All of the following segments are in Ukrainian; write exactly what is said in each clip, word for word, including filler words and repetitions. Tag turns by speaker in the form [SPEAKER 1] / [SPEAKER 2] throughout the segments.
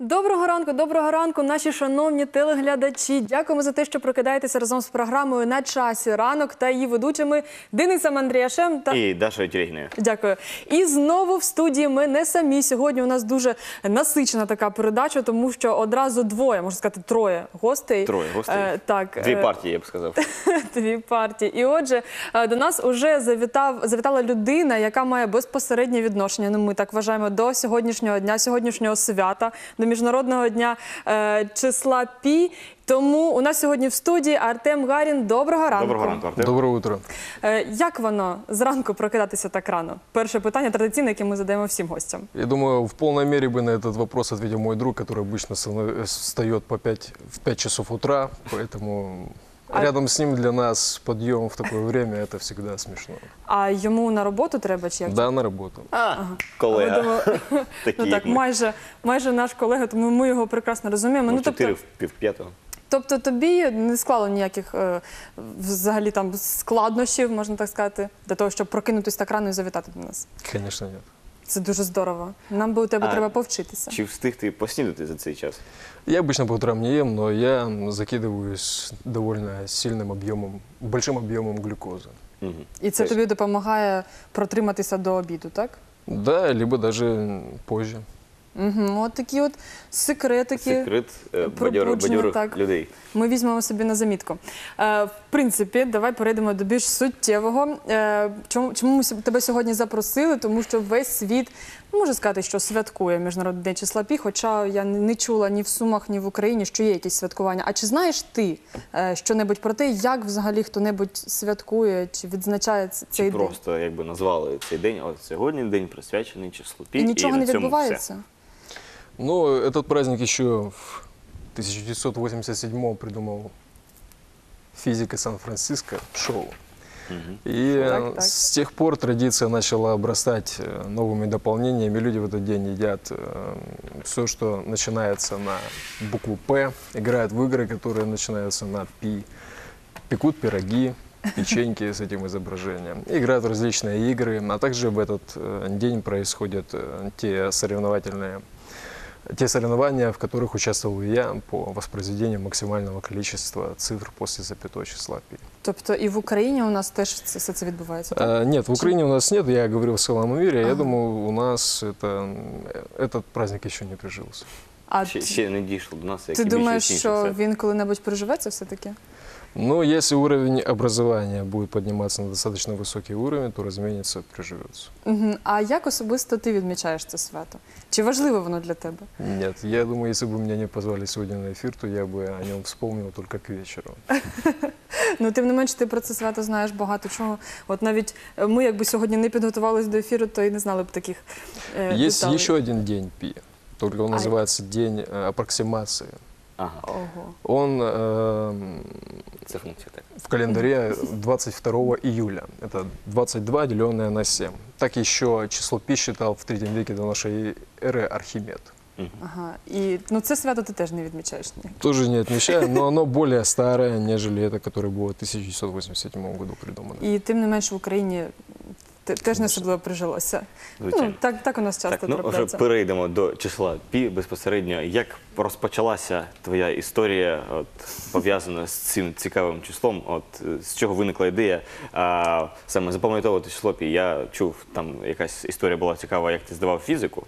[SPEAKER 1] Доброго ранку, доброго ранку, наші шановні телеглядачі. Дякуємо за те, що прокидаєтеся разом з програмою «На часі ранок» та її ведучими Денисом Андріашем та...
[SPEAKER 2] І Дашою Тюрігіною.
[SPEAKER 1] Дякую. І знову в студії ми не самі. Сьогодні у нас дуже насичена така передача, тому що одразу двоє, можна сказати, троє гостей.
[SPEAKER 2] Троє гостей?
[SPEAKER 1] Е, так.
[SPEAKER 2] Дві партії, я б сказав.
[SPEAKER 1] Дві партії. І отже, до нас уже завітав, завітала людина, яка має безпосереднє відношення, ну ми так вважаємо, до сьогоднішнього дня, сьогоднішнього свята, до Міжнародного дня е, числа Пі. Тому у нас сьогодні в студії Артем Гарін. Доброго ранку.
[SPEAKER 2] Доброго ранку, Артем.
[SPEAKER 3] Доброе утро.
[SPEAKER 1] Е, як воно зранку прокидатися так рано? Перше питання традиційне, яке ми задаємо всім гостям.
[SPEAKER 3] Я думаю, в полной мере бы на этот вопрос ответил мой друг, который обычно встает по пять, в пять часов утра, поэтому
[SPEAKER 1] А...
[SPEAKER 3] рядом с ним для нас подъем в такое время – это всегда смешно.
[SPEAKER 1] А йому на роботу треба чи як?
[SPEAKER 3] Да, на работу.
[SPEAKER 2] А,
[SPEAKER 1] Ага.
[SPEAKER 2] колега.
[SPEAKER 1] Думаю,
[SPEAKER 2] Такі,
[SPEAKER 1] ну,
[SPEAKER 2] як
[SPEAKER 1] так,
[SPEAKER 2] ми.
[SPEAKER 1] майже, майже наш колега, тому ми його прекрасно розуміємо.
[SPEAKER 2] Ну,
[SPEAKER 1] Ну,
[SPEAKER 2] чотири
[SPEAKER 1] тобто,
[SPEAKER 2] в пів п'ятого.
[SPEAKER 1] тобто тобі не склало ніяких е, взагалі там складнощів, можна так сказати, для того, щоб прокинутися так рано і завітати до нас?
[SPEAKER 3] Конечно, нет.
[SPEAKER 1] Це дуже здорово. Нам би у тебе
[SPEAKER 2] А
[SPEAKER 1] треба повчитися.
[SPEAKER 2] Чи встиг ти поснідати за цей час?
[SPEAKER 3] Я обычно по утрам не ем, но я закидываюсь довольно сильным объемом, большим объемом глюкозы.
[SPEAKER 2] Угу.
[SPEAKER 1] І це тобі допомагає протриматися до обіду, так?
[SPEAKER 3] Да, либо даже позже.
[SPEAKER 1] Угу. От такі от секретики.
[SPEAKER 2] Секрет е,
[SPEAKER 1] пробудження,
[SPEAKER 2] бадьорих, бадьорих
[SPEAKER 1] так.
[SPEAKER 2] людей.
[SPEAKER 1] Ми візьмемо собі на замітку. Е, в принципі, давай перейдемо до більш суттєвого. Е, чому, чому ми с- тебе сьогодні запросили? Тому що весь світ, ну, можу сказати, що святкує Міжнародний день числа Пі, хоча я не чула ні в Сумах, ні в Україні, що є якісь святкування. А чи знаєш ти е, що-небудь про те, як взагалі хто-небудь святкує, чи відзначає ц-
[SPEAKER 2] Чи
[SPEAKER 1] цей день?
[SPEAKER 2] просто якби назвали цей день, от сьогодні день присвячений числу Пі.
[SPEAKER 1] І нічого
[SPEAKER 2] на
[SPEAKER 1] не
[SPEAKER 2] цьому
[SPEAKER 1] відбувається?
[SPEAKER 3] Ну, этот праздник еще в тысяча девятьсот восемьдесят седьмом придумал физик из Сан-Франциско Шоу.
[SPEAKER 2] Мгм.
[SPEAKER 3] И
[SPEAKER 1] Так,
[SPEAKER 3] э,
[SPEAKER 1] так.
[SPEAKER 3] с тех пор традиция начала обрастать э, новыми дополнениями. Люди в этот день едят все, что начинается на букву «П», играют в игры, которые начинаются на «Пи», пекут пироги, печеньки с этим изображением, играют в различные игры, а также в этот э, день происходят э, те соревновательные Те соревнования, в которых участвовал и я по воспроизведению максимального количества цифр после запятой числа Пи.
[SPEAKER 1] Тобто і в Україні у нас теж це- все це відбувається, так?
[SPEAKER 3] А, нет, в Украине у нас нет, я говорил в целом мире,
[SPEAKER 1] Ага.
[SPEAKER 3] я думаю, у нас это, этот праздник еще не прижился.
[SPEAKER 1] А
[SPEAKER 2] Ще,
[SPEAKER 1] ти-
[SPEAKER 2] ще не дійшло до нас, як
[SPEAKER 1] ти
[SPEAKER 2] і більше
[SPEAKER 1] думаєш,
[SPEAKER 2] інших
[SPEAKER 1] що
[SPEAKER 2] свят.
[SPEAKER 1] він коли-небудь приживеться все-таки?
[SPEAKER 3] Но если уровень образования будет подниматься на достаточно высокий уровень, то, разумеется, приживется.
[SPEAKER 1] Угу. А як особисто ти відмічаєш це свято? Чи важливо воно для тебе?
[SPEAKER 3] Нет, я думаю, если бы меня не позвали сегодня на эфир, то я бы о нем вспомнил только к вечеру.
[SPEAKER 1] Ну, тим не менш, ти про це свято знаєш багато чого. От навіть е, ми, якби сьогодні не підготувалися до ефіру, то і не знали б таких е,
[SPEAKER 3] Есть
[SPEAKER 1] деталей.
[SPEAKER 3] еще один день Пи, только он
[SPEAKER 1] А-
[SPEAKER 3] называется День э, аппроксимации.
[SPEAKER 2] Ага,
[SPEAKER 1] Ого.
[SPEAKER 3] Он э,
[SPEAKER 2] це функція так.
[SPEAKER 3] в календаре двадцать второго июля. Это двадцать два, деленное на семь. Так еще число Пи считал в третьем веке до нашей эры Архимед.
[SPEAKER 2] Мгм.
[SPEAKER 1] Ага. І ну, це свято ти теж не відмічаєш. Ні?
[SPEAKER 3] Тоже не отмечаю, но оно более старое, нежели это, которое было в тысяча девятьсот восемьдесят седьмом году придумано.
[SPEAKER 1] І тим не менш в Україні те- теж не
[SPEAKER 3] Конечно.
[SPEAKER 1] особливо прижилося.
[SPEAKER 2] Звичайно.
[SPEAKER 1] Ну, так, так у нас часто
[SPEAKER 2] Так, ну вже
[SPEAKER 1] трапляється.
[SPEAKER 2] перейдемо до числа Пі безпосередньо. Як розпочалася твоя історія, от, пов'язана з цим цікавим числом? От, е, з чого виникла ідея а, саме запам'ятовувати число Пі? Я чув, там якась історія була цікава, як ти здавав фізику.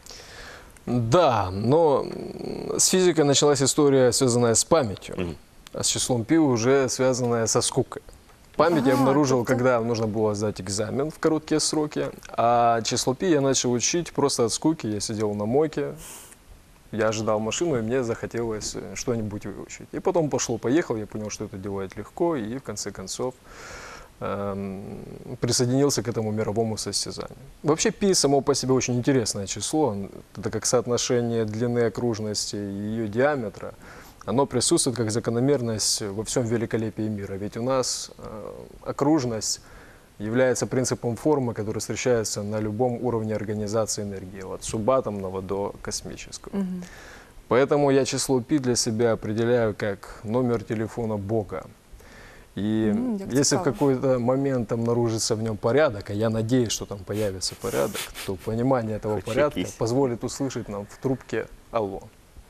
[SPEAKER 3] Да, но м, с физикой началась история, связанная с памятью,
[SPEAKER 2] Мгм.
[SPEAKER 3] а с числом Пи уже связанная со скукой. Память я
[SPEAKER 1] Ага,
[SPEAKER 3] обнаружил,
[SPEAKER 1] тобто-
[SPEAKER 3] когда нужно было сдать экзамен в короткие сроки, а число Пи я начал учить просто от скуки. Я сидел на мойке, я ожидал машину, и мне захотелось э, что-нибудь выучить. И потом пошло-поехал, я понял, что это делать легко, и в конце концов эм, присоединился к этому мировому состязанию. Вообще Пи само по себе очень интересное число, это как соотношение длины окружности и ее диаметра. Оно присутствует как закономерность во всем великолепии мира. Ведь у нас э, окружность является принципом формы, который встречается на любом уровне организации энергии, от субатомного до космического.
[SPEAKER 1] Мгм.
[SPEAKER 3] Поэтому я число Пи для себя определяю как номер телефона Бога. И
[SPEAKER 1] М, як
[SPEAKER 3] если в
[SPEAKER 1] цікаво.
[SPEAKER 3] какой-то момент обнаружится в нем порядок, а я надеюсь, что там появится порядок, то понимание этого
[SPEAKER 2] Хоть
[SPEAKER 3] порядка
[SPEAKER 2] якийсь.
[SPEAKER 3] позволит услышать нам в трубке «Алло».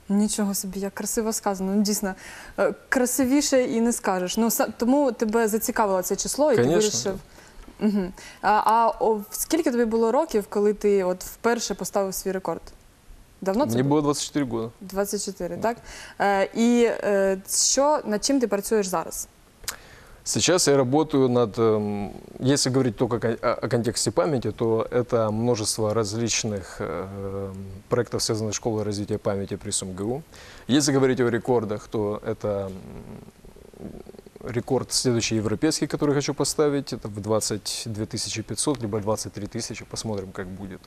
[SPEAKER 1] Нічого собі, як красиво сказано. Ну, дійсно, е, красивіше і не скажеш. Ну, са- тому тебе зацікавило це число, і ти
[SPEAKER 3] Конечно,
[SPEAKER 1] вирішив. Угу. А, а о, скільки тобі було років, коли ти от вперше поставив свій рекорд? Давно це
[SPEAKER 3] Мне
[SPEAKER 1] було?
[SPEAKER 3] было двадцать четыре года.
[SPEAKER 1] двадцять чотири, так? Е, і е, що, над чим ти працюєш зараз?
[SPEAKER 3] Сейчас я работаю над, эм, если говорить только кон- о, о контексте памяти, то это множество различных э, проектов, связанных с школой развития памяти при СумГУ. Если говорить о рекордах, то это м, рекорд следующий европейский, который хочу поставить, это в двадцать две тысячи пятьсот, либо двадцать три тысячи, посмотрим, как будет.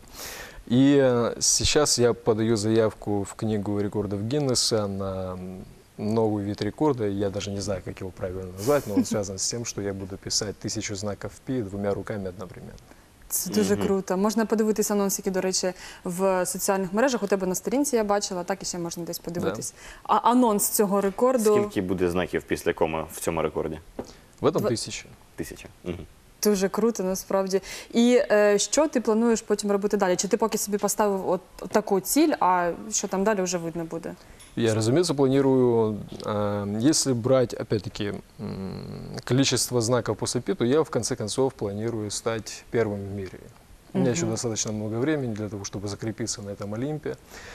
[SPEAKER 3] И э, сейчас я подаю заявку в книгу рекордов Гиннесса на м, новый вид рекорда. Я даже не знаю, как его правильно назвать, но он связан с тем, что я буду писать тысячу знаков пи двумя руками одновременно.
[SPEAKER 1] Це дуже
[SPEAKER 2] Мгм.
[SPEAKER 1] круто. Можна подивитися анонс, які, до речі, в соціальних мережах. У тебе на сторінці я бачила, так і ще можна десь подивитись. А анонс цього рекорду
[SPEAKER 2] Скільки буде знаків після коми в цьому рекорді?
[SPEAKER 3] В этом
[SPEAKER 1] Два-
[SPEAKER 3] тысяча.
[SPEAKER 2] Тисяча. Мгм.
[SPEAKER 1] дуже круто, насправді. І е, що ти плануєш потім робити далі? Чи ти поки собі поставив от таку ціль, а що там далі вже видно буде?
[SPEAKER 3] Я, разумеется, планирую, э, если брать, опять-таки, м, количество знаков после пи, то я, в конце концов, планирую стать первым в мире. У меня еще
[SPEAKER 1] Мгм.
[SPEAKER 3] достаточно много времени для того, чтобы закрепиться на этом Олимпе.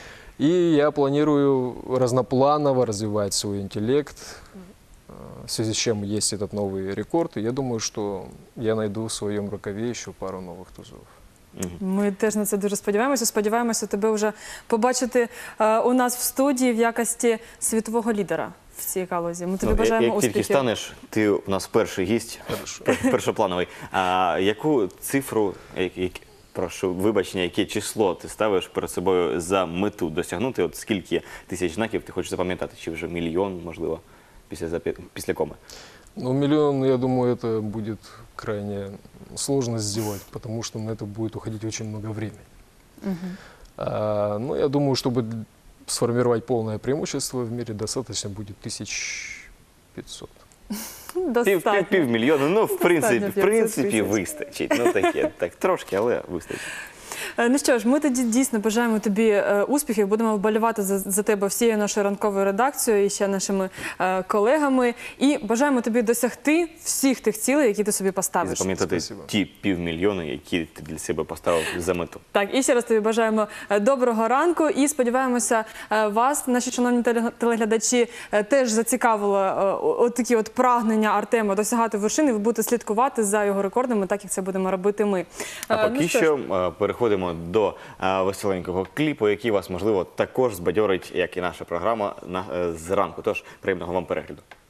[SPEAKER 3] И я планирую разнопланово развивать свой интеллект, э, в связи с чем есть этот новый рекорд. И я думаю, что я найду в своем рукаве еще пару новых тузов.
[SPEAKER 2] Мгм.
[SPEAKER 1] Ми теж на це дуже сподіваємося. Сподіваємося тебе вже побачити е, у нас в студії в якості світового лідера в цій галузі. Ми тобі
[SPEAKER 2] Ну,
[SPEAKER 1] бажаємо
[SPEAKER 2] як тільки
[SPEAKER 1] успіхів.
[SPEAKER 2] станеш, ти у нас перший гість, пер- першоплановий. А яку цифру, як- як- прошу вибачення, яке число ти ставиш перед собою за мету досягнути? От скільки тисяч знаків ти хочеш запам'ятати? Чи вже мільйон, можливо, після, запі- після коми?
[SPEAKER 3] Ну, миллион, я думаю, это будет крайне сложно сделать, потому что на это будет уходить очень много времени.
[SPEAKER 1] Мгм.
[SPEAKER 3] А, ну, я думаю, чтобы д- сформировать полное преимущество в мире, достаточно будет тысяч пятьсот.
[SPEAKER 2] Пів,
[SPEAKER 1] Достатньо.
[SPEAKER 2] пів, півмільйона, ну, в принципі, в
[SPEAKER 1] п'ятсот
[SPEAKER 2] принципі,
[SPEAKER 1] тисяч.
[SPEAKER 2] вистачить. Ну, таке, так, трошки, але вистачить.
[SPEAKER 1] Е, Ну що ж, ми тоді дійсно бажаємо тобі е, успіхів. Будемо вболівати за, за тебе всією нашою ранковою редакцією і ще нашими е, колегами. І бажаємо тобі досягти всіх тих цілей, які ти собі
[SPEAKER 2] І
[SPEAKER 1] поставиш.
[SPEAKER 2] запам'ятати
[SPEAKER 3] Спасибо.
[SPEAKER 2] ті півмільйони, які ти для себе поставив за мету.
[SPEAKER 1] Так, і ще раз тобі бажаємо е, доброго ранку і сподіваємося, е, вас, наші шановні теле- телеглядачі, е, теж зацікавило е, о- от такі от прагнення Артема досягати вершини. Ви будете слідкувати за його рекордами, так як це будемо робити ми.
[SPEAKER 2] А
[SPEAKER 1] Е,
[SPEAKER 2] поки
[SPEAKER 1] ну, ж,
[SPEAKER 2] що е, переходимо до е, веселенького кліпу, який вас, можливо, також збадьорить, як і наша програма на, е, зранку. Тож, приємного вам перегляду.